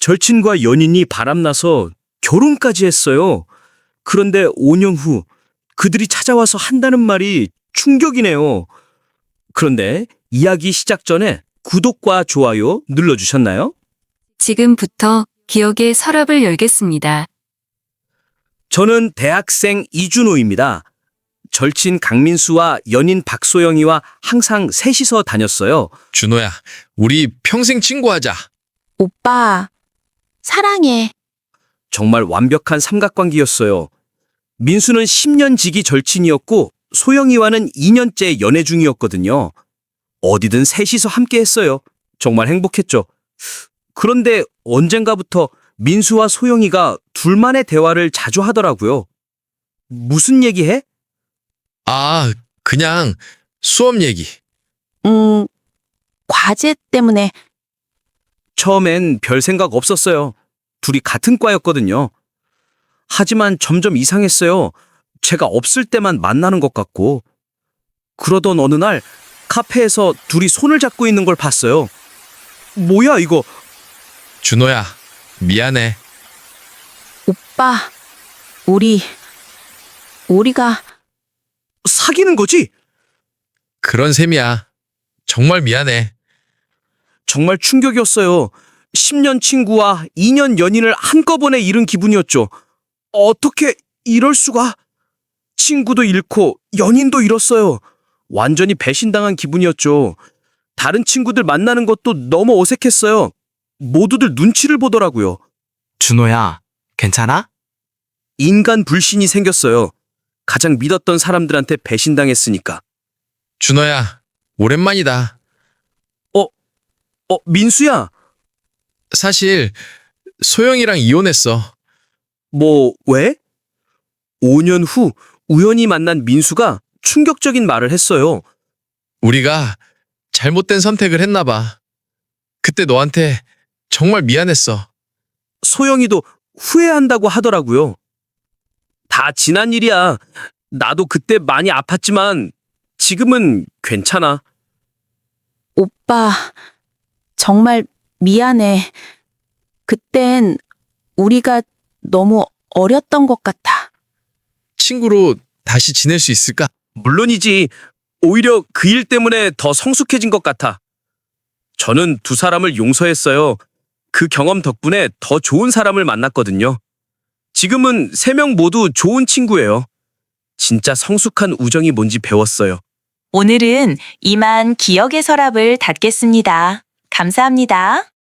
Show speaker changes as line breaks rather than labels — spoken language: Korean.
절친과 연인이 바람나서 결혼까지 했어요. 그런데 5년 후 그들이 찾아와서 한다는 말이 충격이네요. 그런데 이야기 시작 전에 구독과 좋아요 눌러주셨나요?
지금부터 기억의 서랍을 열겠습니다.
저는 대학생 이준호입니다. 절친 강민수와 연인 박소영이와 항상 셋이서 다녔어요.
준호야, 우리 평생 친구하자.
오빠, 사랑해.
정말 완벽한 삼각관계였어요. 민수는 10년 지기 절친이었고 소영이와는 2년째 연애 중이었거든요. 어디든 셋이서 함께 했어요. 정말 행복했죠. 그런데 언젠가부터 민수와 소영이가 둘만의 대화를 자주 하더라고요. 무슨 얘기해?
아, 그냥 수업 얘기.
과제 때문에.
처음엔 별 생각 없었어요. 둘이 같은 과였거든요. 하지만 점점 이상했어요. 제가 없을 때만 만나는 것 같고. 그러던 어느 날 카페에서 둘이 손을 잡고 있는 걸 봤어요. 뭐야 이거?
준호야, 미안해.
오빠, 우리가
사귀는 거지?
그런 셈이야. 정말 미안해.
정말 충격이었어요. 10년 친구와 2년 연인을 한꺼번에 잃은 기분이었죠. 어떻게 이럴 수가? 친구도 잃고 연인도 잃었어요. 완전히 배신당한 기분이었죠. 다른 친구들 만나는 것도 너무 어색했어요. 모두들 눈치를 보더라고요.
준호야, 괜찮아?
인간 불신이 생겼어요. 가장 믿었던 사람들한테 배신당했으니까.
준호야, 오랜만이다.
민수야.
사실 소영이랑 이혼했어.
뭐, 왜? 5년 후 우연히 만난 민수가 충격적인 말을 했어요.
우리가 잘못된 선택을 했나 봐. 그때 너한테 정말 미안했어.
소영이도 후회한다고 하더라고요. 다 지난 일이야. 나도 그때 많이 아팠지만 지금은 괜찮아.
오빠, 정말 미안해. 그땐 우리가 너무 어렸던 것 같아.
친구로 다시 지낼 수 있을까?
물론이지. 오히려 그 일 때문에 더 성숙해진 것 같아. 저는 두 사람을 용서했어요. 그 경험 덕분에 더 좋은 사람을 만났거든요. 지금은 세 명 모두 좋은 친구예요. 진짜 성숙한 우정이 뭔지 배웠어요.
오늘은 이만 기억의 서랍을 닫겠습니다. 감사합니다.